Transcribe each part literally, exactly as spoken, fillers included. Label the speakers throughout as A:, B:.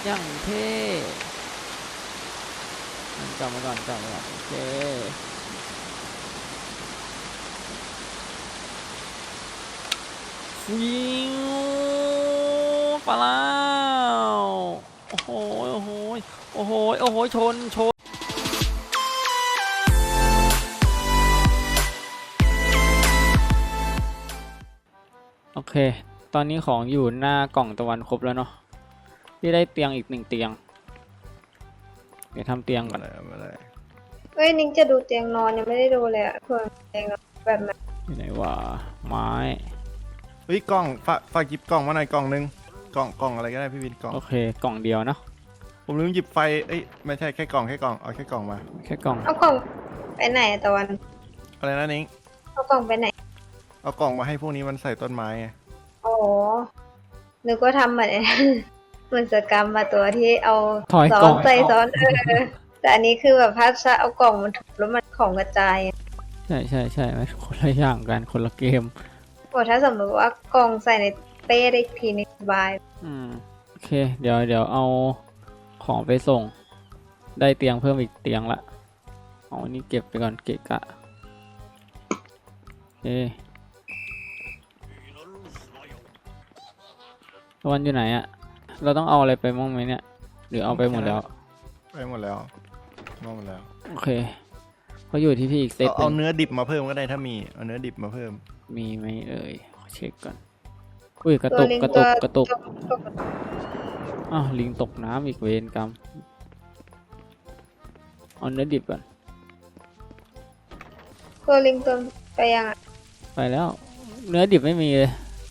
A: อย่างเท่กลับมาก่อนกลับมาก่อนโอเคฟิวปลาโอ้โหโอ้โหโอ้โหโอ้โหชนชนโอเคตอนนี้ของอยู่หน้ากล่องตะวันครบแล้วเนาะที่ได้เตียงอีกหนึ่งเตียงเดี๋ยวทำเตียงก่อน
B: เฮ้ยนิ้งจะดูเตียงนอนยังไม่ได้ดูเลยอะเพื่อนเตียงนอนแบบไหน
A: อยู่ไหนวะไม้
C: เฮ้ยกล่องฝากฝากหยิบกล่องมาหน่อยกล่องนึงกล่องกล่องอะไรก็ได้พี่วินกล่อง
A: โอเคกล่องเดียวเนาะ
C: ผมลืมหยิบไฟเอ้ยไม่ใช่แค่กล่องแค่กล่องเอาแค่กล่องมา
A: แค่กล่อง
B: เอากล่องไปไหนอะตะวัน
C: อะไรนะนิ้ง
B: เอากล่องไปไหน
C: เอากล่องมาให้พวกนี้มันใส่ต้นไม้ไง
B: โอ้นึกว่าทำเหมือน เหมือนสกรรมมาตัวที่เอาซ้อนใส่ซ้อนเออแต่อันนี้คือแบบพัชเอากล่องมันถูกแล้วมันของกระจาย
A: ใช่ใช่ใช่ไหมคนละอย่างกันคนละเกม
B: โอ้ถ้าสมมติว่ากล่องใส่ในเป้ได้ทีนึงสบาย
A: อืมโอเคเดี๋ยวเดี๋ยวเอาของไปส่งได้เตียงเพิ่มอีกเตียงละเอาอันนี้เก็บไปก่อนเกะกะโอเควันอยู่ไหนอะเราต้องเอาอะไรไปมั่งไหมเนี่ยหรือเอาไปหมดแล้ว
C: ไปหมดแล้วหมดแล้ว
A: โอเคเขาอยู่ที่พี่อีกเซต
C: เอาเนื้อดิบมาเพิ่มก็ได้ถ้ามีเอาเนื้อดิบมาเพิ่ม
A: มีไหมเอ่ยเช็คก่อนอุ้ยกระตุกกระตุกกระตุกอ้าวลิงตกน้ำอีกเวรกรรมเอาเนื้อดิบก่อน
B: ตัวลิงตัวไปยังอ่ะ
A: ไปแล้วเนื้อดิบไม่มีเลย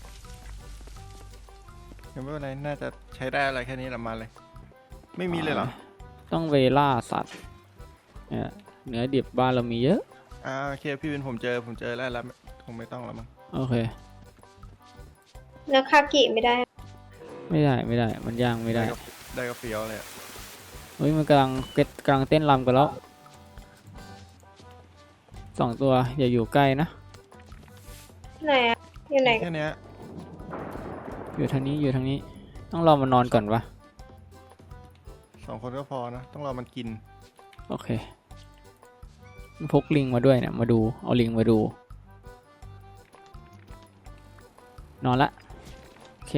C: ยังไม่เป็นไรน่าจะใช้ได้อะไรแค่นี้ละมาเลยไม่มีเลยเหรอ
A: ต้องเวล่าสัตว์เนี่ยเนื้อดิบบ้านเรามีเยอะ
C: อ่าโอเคพี่วินผมเจอผมเจอแล้วแล้วคงไม่ต้องแล้วมั้ง
A: โอเค
B: เนื้อคากิไม่ได้
A: ไม่ได้ไม่ได้มันย่างไม่ได้
C: ได้ก็เฟี้ยวเลย
A: เฮ้ยมันกำลังเก็ตกำลังเต้นรำกันแล้วสองตัวอย่าอยู่ใกล้นะ
B: ไหนอะอยู่ไหน
C: แค่นี้
A: อยู่ทางนี้อยู่ทางนี้ต้องรอมันนอนก่อนวะ
C: สองคนก็พอนะต้องรอมันกิน
A: โอเคพกลิงมาด้วยเนี่ยมาดูเอาลิงมาดูนอนละโอเค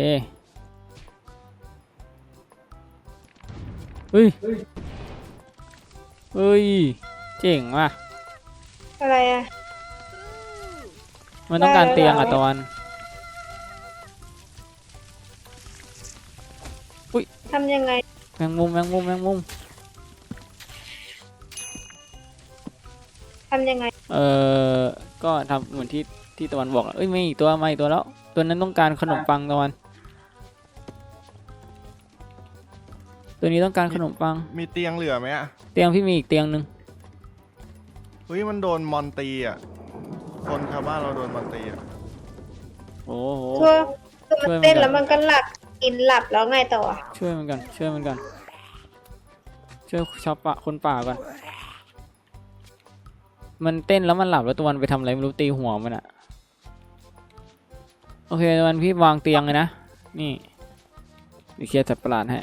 A: เฮ้ยเฮ้ยเจ๋งว่ะ
B: อะไรอ่ะ
A: มันต้องการเตียงอ่ะตะวันอุ้ย
B: ทำยังไง
A: แมงมุมแมงมุมแมงมุม
B: ทำยังไง
A: เออก็ทำเหมือนที่ที่ตะวันบอกเอ้ยไม่อีกตัวไม่อีกตัวแล้วตัวนั้นต้องการขนมปังตะวันตัวนี้ต้องการขนมปัง
C: มีเตียงเหลือไหมอะ
A: เตียงพี่มีอีกเตียงหนึ่ง
C: เฮ้ยมันโดนมอนตีอ่ะคนชาวบ้านเราโดนมอนตีอ่ะ
A: โอ้โห
B: คือมันเต้นแล้วมันก็หลับกินหลับแล้วไงต่อ
A: ช่วยมันกันช่วยมันกันช่วยชาวป่าคนป่าก่อนมันเต้นแล้วมันหลับแล้วตัวมันไปทำอะไรไม่รู้ตีหัวมันอะโอเคตัวมันพี่วางเตียงเลยนะนี่ดิเคลียร์สัตว์ประหลาดให้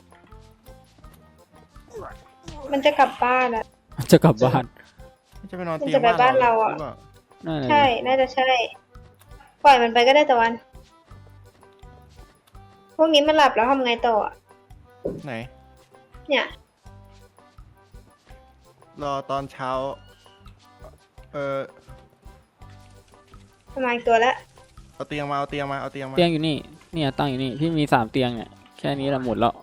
B: มันจะกลับบ้านอะ
A: จะกลับบ้าน
C: จะไปนอนเตีย
B: งบ้านเราอะใช่น่าจะใช่ปล่อยมันไปก็ได้ตะวันพวกนี้มันหลับแล้วทำไงต่อ
C: ไหน
B: เนี่ย
C: รอตอนเช้าเออ
B: ประมาณตัวแล้ว
C: เอาเตียงมาเอาเตียงมาเอาเตียงมา
A: เตียงอยู่นี่เนี่ยตั้งอยู่นี่พี่มีสามเตียงเนี่ยแค่นี้ละหมดแล้ว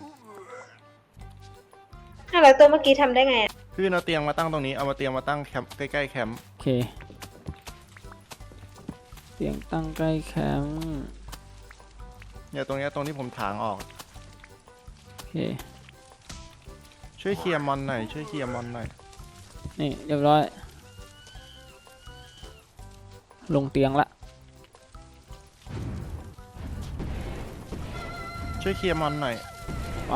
B: ถ้าเราตัวเมื่อกี้ทำได้ไง
C: พี่เอาเตียงมาตั้งตรงนี้เอามาเตียงมาตั้งแคมป์ใกล้ๆแคมป์
A: โอเคเตียงตั้งใกล้แคมป์
C: เนี่ยตรงนี้ตรงที่ผมถางออก
A: โอเค
C: ช่วยเคลียร์มอนหน่อยช่วยเคลียร์มอนหน่อย
A: นี่เรียบร้อยลงเตียงละ
C: ช่วยเคลียร์มอนหน่อย
A: ไป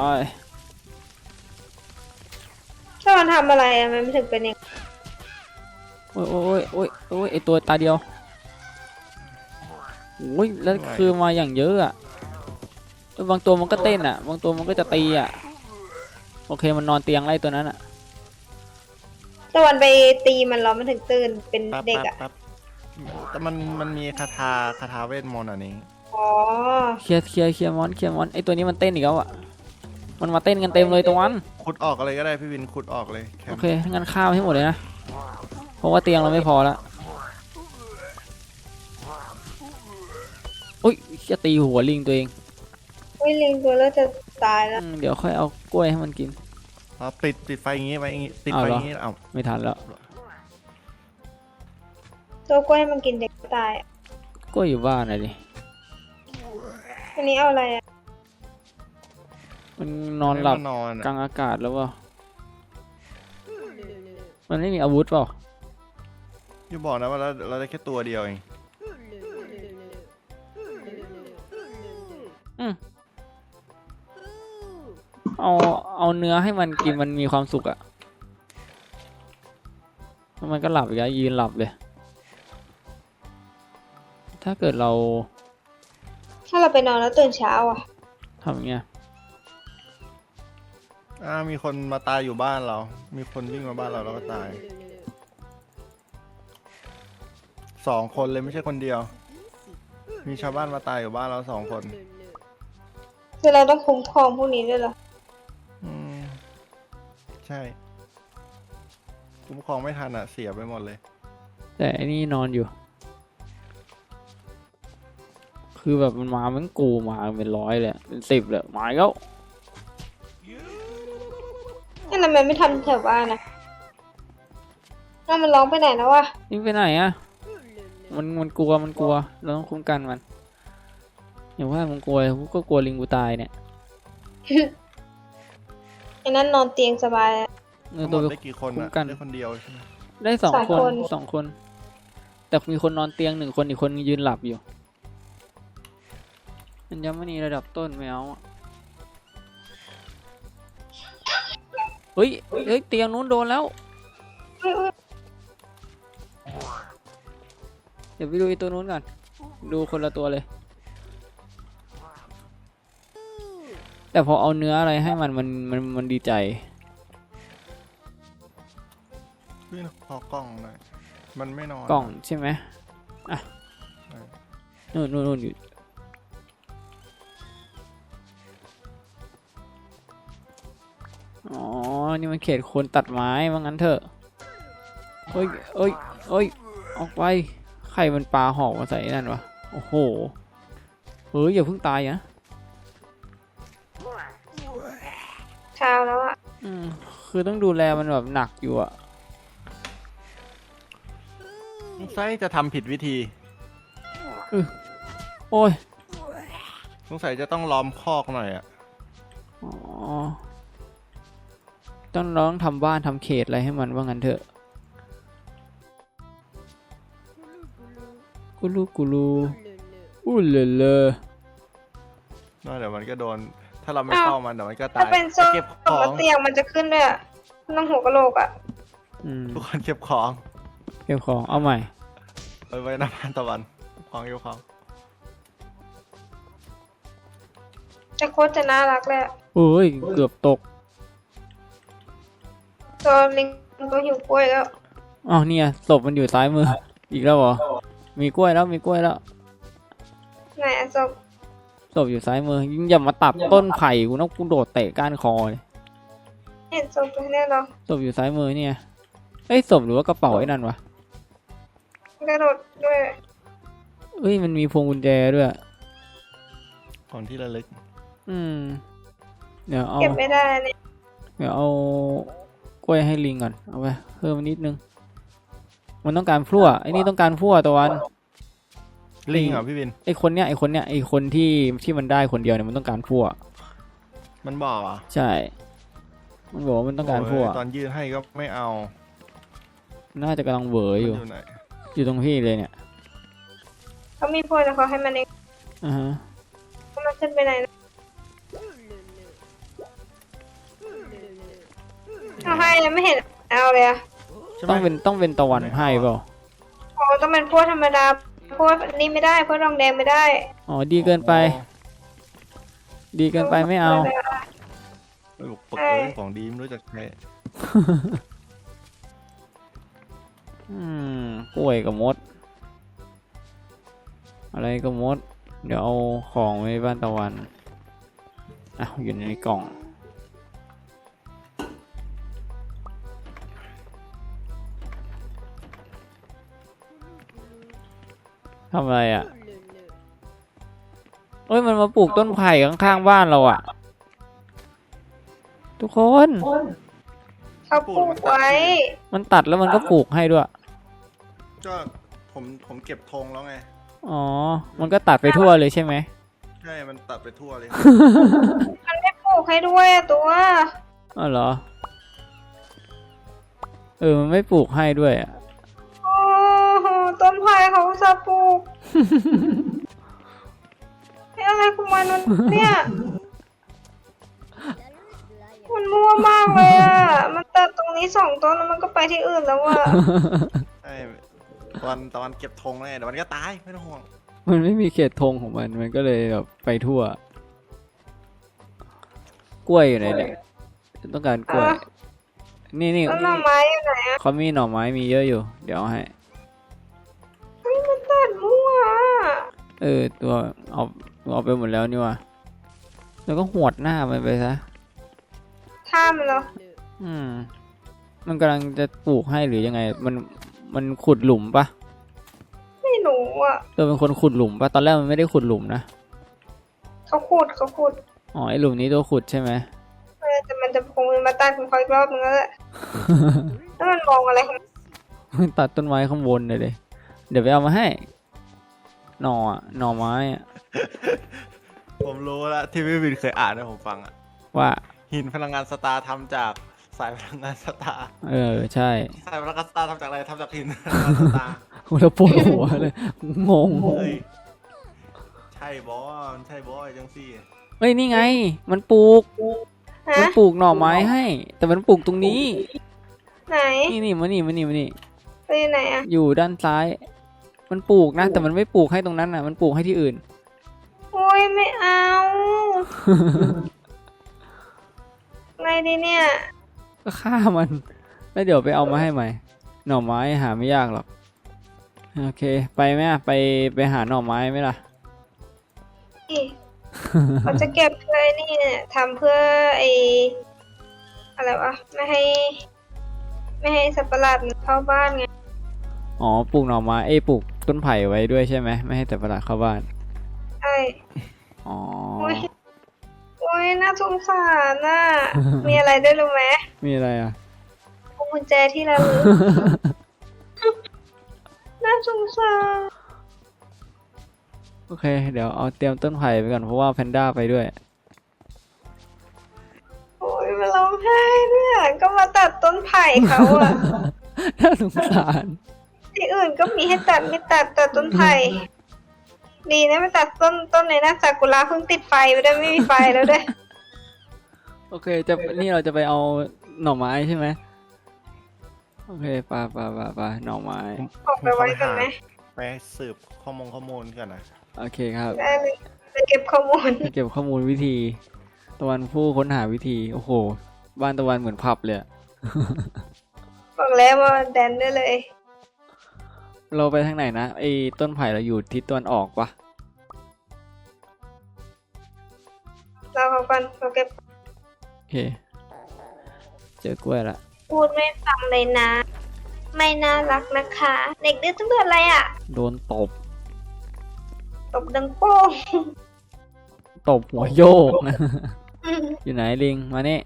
B: ถ้ามันทำอะไรอะมันไม่ถึงเป็นอย่าง
A: โอ้ยโอ้ยโอ้ยโอ้ยไอตัวตาเดียวโอ้ยแล้วคือมาอย่างเยอะอะเออบางตัวมันก็เต้นอ่ะ บางตัวมันก็จะตีอ่ะ โอเคมันนอนเตียงไล่ตัวนั้นอ่ะ
B: ตะวันไปตีมันแล้วมันถึงตื่นเป็น
C: แป๊บ
B: เด็ก
C: แป๊บ
B: อ่ะ
C: แป๊บแต่มันมันมีคาถาคาถาเวทมนต์อันนี้
B: อ๋อ
A: เคลียร์เคลียร์เคลียร์มอนเคลียร์มอนไอตัวนี้มันเต้นอีกแล้วอ่ะ มันมาเต้นกันเต็มเลยตะวัน
C: ขุดออกอะไรก็ได้พี่วินขุดออกเลยแค
A: โอ
C: ม
A: เคงั้นข้าวให้หมดเลยนะ เพราะว่าเตียงเราไม่พอแล้วอุ้ยจะตีหัวลิงตัวเอง
B: วิลิงตัวแล้วจะตายแล้ว
A: อืมเดี๋ยวค่อยเอากล้วยให้มันกิน
C: เราติดติดไฟอย่างงี้ไว้อย่างงี้ติด
A: เอา
C: ไฟ
A: เหร
C: อ
A: อ
C: ย่างงี้เอา
A: ไม่ทันแล้ว
B: ตัวกล้วยมันกินเด็กตายอะ
A: กล้วยอยู่บ้านอะดิ
B: อันนี้เอาอะไรอ่ะ
A: มันนอนหลับ
C: ให้มันนอน
A: ก
C: อะ
A: ลางอากาศแล้วเปล่ามันไม่มีอาวุธเปล่า
C: อย่าบอกนะว่าเราเราได้แค่ตัวเดียวเอง
A: อืมเอาเอาเนื้อให้มันกินมันมีความสุขอะแล้วมันก็หลับอีกแล้วยืนหลับเลย ถ้าเกิดเรา
B: ถ้าเราไปนอนแล้วตื่นเช้าอ่ะ
A: ทำอย่างเงี้ย
C: อ่ามีคนมาตายอยู่บ้านเรา มีคนวิ่งมาบ้านเราแล้วก็ตายสองคนเลยไม่ใช่คนเดียว มีชาวบ้านมาตายอยู่บ้านเราสองคน
B: คือเราต้องคุ้มครองพวกนี้ด้วยเหรอ
C: อืมใช่คุ้มครองไม่ทันอ่ะเสียไปหมดเลย
A: แต่อันนี้นอนอยู่ คือแบบมันมามันกูมาเป็นร้อยเลยอะเป็นสิบเลยมาอีกแล้ว
B: นั่นทำไมไม่ทำแถวบ้านนะนั่นมันร้องไปไหนแล้ววะ
A: นี่ไปไหนอะมันมันกลัวมันกลัวเราต้องคุ้มกันมันอย่างว่ามันกลัวกูก็กลัวลิงกูตายเนี่ย
B: ไอ้นั่นนอนเตียงสบายอะ
A: เออ
C: ทั้งหม
A: ตัว
C: ด
A: ไป
C: ได้กี่คน
A: คุ้
C: อ่ะ
A: มกัน
C: ได้คนเดียวใช่ไหม
A: ได้สอง
B: สอง
A: คน
B: คน
A: สองคน แต่มีคนนอนเตียงหนึ่งคนอีกคนยืนหลับอยู่มันยังไม่มีระดับต้นไม่เอาอะเฮ้ยเฮ้ยเตียงนู้นโดนแล้ว
B: อุ๊ยอุ๊ย
A: เดี๋ยวไปดูไอ้ตัวนู้นก่อนดูคนละตัวเลย แต่พอเอาเนื้ออะไรให้มันมันมันมันดีใจ
C: พี่ขอกล้องหน่อยมันไม่นอน
A: กล่องใช่ไหมอ่ะ
C: ใช่
A: นู่นนู่นนู่นอยู่อ๋อ นี่มันเขตคนตัดไม้ว่างั้นเถอะเฮ้ยเอ้ยเอ้ย ออกไป ใครมันปลาหอกมาใส่นั่นวะ โอ้โห เฮ้ย อย่าเพิ่งตายนะ
B: เช้าแล้วอ่ะ
A: อืม คือต้องดูแลมันแบบหนักอยู่อะ
C: สงสัยจะทำผิดวิธี
A: โอ้ย
C: สงสัยจะต้องล้อมคอกหน่อยอ่ะ
A: อ๋อ ต้องร้องทำบ้านทำเขตอะไรให้มันว่างั้นเถอะกูรูกูรูอู้เลเลอ
C: น่าเดี๋ยวมันก็โดน ถ้าเราไม่
B: อ้าว
C: เข้ามันเดี๋ยวมันก็ตา
B: ถ้าย เป็นส้ม
C: เก็บข
B: ต
C: อก ง
B: เตียงมันจะขึ้นด้วยอะต้องหัวกะโหลกอ่ะ
A: อืม
C: ทุกคนเก็บของ
A: เก็บของเอาใหม่
C: ไปไว้หน้าบ้านตะวันของเก็บของ
B: แต่โคตรจะน่ารักเลยอะ
A: โอ้ย เกือบตก
B: ตัวลิงตัวหิวกล้วยแล้ว
A: อ๋อเนี่ยศพมันอยู่ซ้ายมือ อีกแล้วเหรอ มีกล้วยแล้วมีกล้วยแล้ว
B: ไหนอะศพ
A: ศพอยู่ซ้ายมือยิ่งอย่ามาตัดต้นไผ่กูนะกูโดดเตะก้านคอเลย
B: เห็นศพตรงนี้เหรอ
A: ศพอยู่ซ้ายมือเนี่ยเอ้ยศพหรือว่ากระเป๋าไอ้นั่นวะ
B: กระโดดด้วย
A: เอ้ยมันมีพวงกุญแจด้วย
C: ของที่ระลึก
A: อืม เดี๋ยวเอา
B: เก็บไม่ได้เนี่ย
A: เดี๋ยวเอากล้วยให้ลิงก่อน เอาไปเพิ่มนิดนึง มันต้องการพลั่วไอ้นี่ต้องการพลั่วตะวัน
C: ลิงเหรอพี่วิน
A: ไอ้คนเนี้ยไอ้คนเนี้ยไอ้คนที่ที่มันได้คนเดียวเนี่ยมันต้องการพลั่ว
C: มันบอกเหรอ่ะ
A: ใช่ มันบอกว่ามันต้องการพลั่ว
C: ตอนยื่นให้ก็ไม่เอา
A: น่าจะกำลังเหวอ
C: มัน
A: อยู่
C: อยู่ไหน
A: อยู่ตรงพี่เลยเนี่ย
B: เขามีพวกแต่เขาให้มันเอง
A: อ่าฮะ
B: เขามันขึ้นไปไหนนะเขาให้ยังไม่เห็นเอาเลยอะ
C: ใช่ไหม
A: ต้องเป็นต้องเป็นตะวันให้เปล่า
B: อ๋อต้องเป็นพวกธรรมดาพวกนี่ไม่ได้พวกรองแดงไม่ได้
A: อ๋อดีเกินไปดีเกินไปไม่เอา
C: ไม่บอกปกเลยของดีไม่รู้จักใคร
A: อืมกล้วยกับมด อะไรก็มด เดี๋ยวเอาของไว้บ้านตะวันอ่ะอยู่ในกล่องทำอะไรอ่ะเอ้ยมันมาปลูกต้นไผ่ข้างๆบ้านเราอ่ะ ทุกคน
B: เขาปลูกไว้
A: มันตัดแล้วมันก็ปลูกให้ด้วย
C: ก็ผมผมเก็บธงแล้วไง
A: อ๋อ มันก็ตัดไปทั่วเลยใช่ไหม
C: ใช่มันตัดไปทั่วเลย
B: มันไม่ปลูกให้ด้วยอะตัว
A: อ๋อเหรอ เออ มันไม่ปลูกให้ด้วยอ่ะ
B: โอ้โหต้นไผ่เขาจะปลูก นี่อะไรของมันมันเนี่ย มันมั่วมากเลยอ่ะ มันตัดตรงนี้สองต้นแล้วมันก็ไปที่อื่นแล้วอ่ะ
C: ใช่ตอนตอนเก็บธงแล้วไงเดี๋ยวมันก็ตายไม่ต้องห่วง
A: มันไม่มีเขตธงของมัน มันก็เลยแบบไปทั่ว กล้วยอยู่ไหนเนี่ยต้องการกล้วย
B: อ่ะ
A: นี่นี่
B: แล้วหน่อไม้อยู่ไหนอ่ะ
A: เขามีหน่อไม้มีเยอะอยู่ เดี๋ยวเอาให้
B: เฮ้ยมันตัดมั่วอ่ะ
A: เออ ตัวเอาเอาไปหมดแล้วนี่ว่ะแล้วก็หวดหน้ามันไปซะ
B: ท่ามันเหรอ
A: อืม มันกำลังจะปลูกให้หรือยังไง มัน มันขุดหลุมปะ
B: ไม่รู้อ่ะ
A: ตัวเป็นคนขุดหลุมปะตอนแรกมันไม่ได้ขุดหลุมนะ
B: เขาขุดเขาขุด
A: อ๋อ ไอหลุมนี้ตัวขุดใช่ไหม
B: เออแต่มันจะคงมาตัดของเขาอีกรอบนึงแล้วแหละ แล้วมันมองอะไรของมัน
A: ตัดต้นไม้ข้างบนเลยเลย เดี๋ยวไปเอามาให้ หน่ออะหน่อไม้อะ
C: ผมรู้แล้วที่พี่วินเคยอ่านให้ผมฟังอะ
A: ว่า
C: หินพลังงานสตาร์ทำจากสายพลังงานสตาร์
A: เออ ใช่
C: สายพลังงานสตาร์ทำจากอะไรทำจากหินพลังงานสตาร์
A: เราปวดหัวเลย งง
C: เฮ้ยใช่บอสใช่บอสจังซี่
A: เฮ้ย นี่ไง มันปลูก
B: ฮะ
A: มันปลูกหน่อไม้ให้ แต่มันปลูกตรงนี้
B: ไหน
A: นี่นี่มานี่มานี่มานี่
B: ไปไหนอ่ะ
A: อยู่ด้านซ้าย มันปลูกนะ แต่มันไม่ปลูกให้ตรงนั้นน่ะ มันปลูกให้ที่อื่น
B: โอ้ยไม่เอา ไงดีเนี่ย
A: ก็ฆ่ามัน แล้วเดี๋ยวไปเอามาให้ใหม่ หน่อไม้หาไม่ยากหรอก โอเค ไปไหมอะไปไปหาหน่อไม้ไหมล่ะ
B: นี่เขาจะเก็บเพื่อไอ้นี่เนี่ยทำเพื่อไออะไรวะ ไม่ให้ ไม่ให้สัตว์ประหลาดมันเข้าบ้านไง
A: อ๋อ ปลูกหน่อไม้ เอ้ยปลูกต้นไผ่ไว้ด้วยใช่ไหม ไม่ให้แต่ประหลาดเข้าบ้าน
B: ใช่
A: อ๋อ
B: โอ้ย โอ้ยน่าสงสารน่ะ มีอะไรด้วยรู้ไหม
A: มีอะไรอ่ะ
B: พวงกุญแจที่ระลึก น่าสงสาร
A: โอเค เดี๋ยวเอาเตรียมต้นไผ่ไปก่อนเพราะว่าแพนด้าไปด้วย
B: โอ้ยมาร้องไห้เนี่ยก็มาตัดต้นไผ่เขาอะ
A: น่าสงสาร
B: ที่อื่นก็มีให้ตัดไม่ตัดตัดต้นไผ่ดีนะไม่ตัดต้นต้นในนะซากุระเพิ่งติดไฟไปด้วยไม่มีไฟแล้วด้วย
A: โอเค จะนี่เราจะไปเอาหน่อไม้ใช่ไหม โอเคปลาปลาปลาปลาหน่อไม้
B: ออกไปไว้กันไหม
C: ไปสืบข้อมูลข้อมูลกันนะ
A: โอเคครับ
B: ได้เลยไปเก็บข้อมูล
A: เก็บข้อมูลวิธี ตะวันผู้ค้นหาวิธี โอ้โห บ้านตะวันเหมือนผับเลยอะ
B: บอกแล้วว่าแดนได้เลย
A: เราไปทางไหนนะไอ้ต้นไผ่เราอยู่ทิศตะวันออกปะ
B: เราเขากันเราเก็บ
A: โอเค เจอกล้วยละ
B: พูดไม่ฟังเลยนะ ไม่น่ารักนะคะ เด็กดื้อต้องโดนอะไรอ่ะ
A: โดนตบ
B: ตบดังโป้ง
A: ตบหัวโยกนะ อยู่ไหนลิง มานี่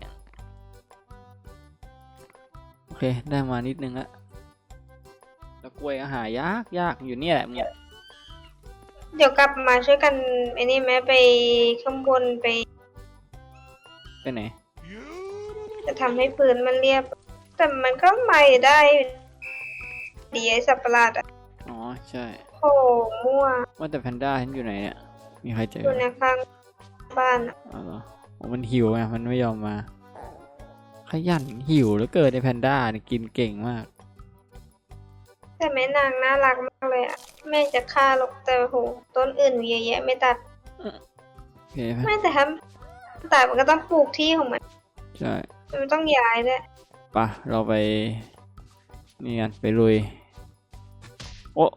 A: โอเค ได้มานิดนึงละแล้วกล้วยก็หายากยากอยู่เนี่ยแหละเนี่ย
B: เดี๋ยวกลับมาช่วยกันไอ้นี่ไหมไปข้างบนไป
A: ไปไหน
B: จะทำให้พื้นมันเรียบ แต่มันก็ไม่ได้ดีไอ้สัตว์ประหลาดอ่ะ
A: อ๋อ ใช่
B: โอ้มั่ว
A: ว่าแต่แพนด้าฉันอยู่ไหนเนี่ย มีใครเจอ
B: อยู่ในข้างบ้านอะ
A: อ๋อเหรอโอ้มันหิวไง มันไม่ยอมมา ขยันหิวแล้วเกิดในแพนด้าเนี่ยกินเก่งมาก
B: แต่แม่นางน่ารักมากเลยอ่ะแม่จะฆ่าหรอกแต่โหต้นอื่นมีเยอะแยะไม่ตัด
A: เคไหม
B: ไม่แต่ถ้าตายมันก็ต้องปลูกที่ของมัน
A: ใช่
B: มันต้องย้ายด้วย
A: ปะเราไปนี่กันไปลุยโอ้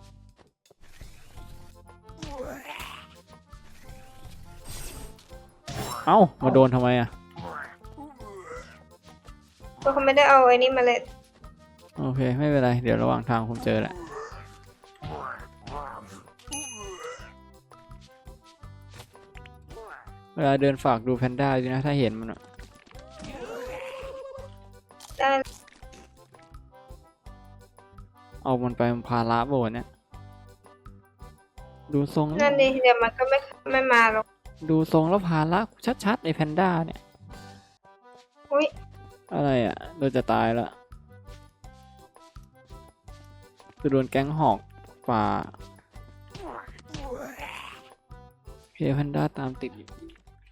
A: เอ้ามาโดนทำไมอ่ะ
B: ก็เขาไม่ได้เอาไอ้นี่มาเลย
A: โอเคไม่เป็นไรเดี๋ยวระหว่างทางผมเจอแหละเวลาเดินฝากดูแพนด้าด้วยนะถ้าเห็นมันอะ
B: ได้
A: เอามันไปมันพาละโบนเนี่ยดูทรง
B: นั่นดิเดี๋ยวมันก็ไม่ไม่มาหรอก
A: ดูทรงแล้วพาละชัดๆไอแพนด้าเนี่ย
B: อุ้ย
A: อะไรอ่ะเราจะตายละคือโดนแก๊งหอกป่าโอเคแพนด้าตามติดอยู่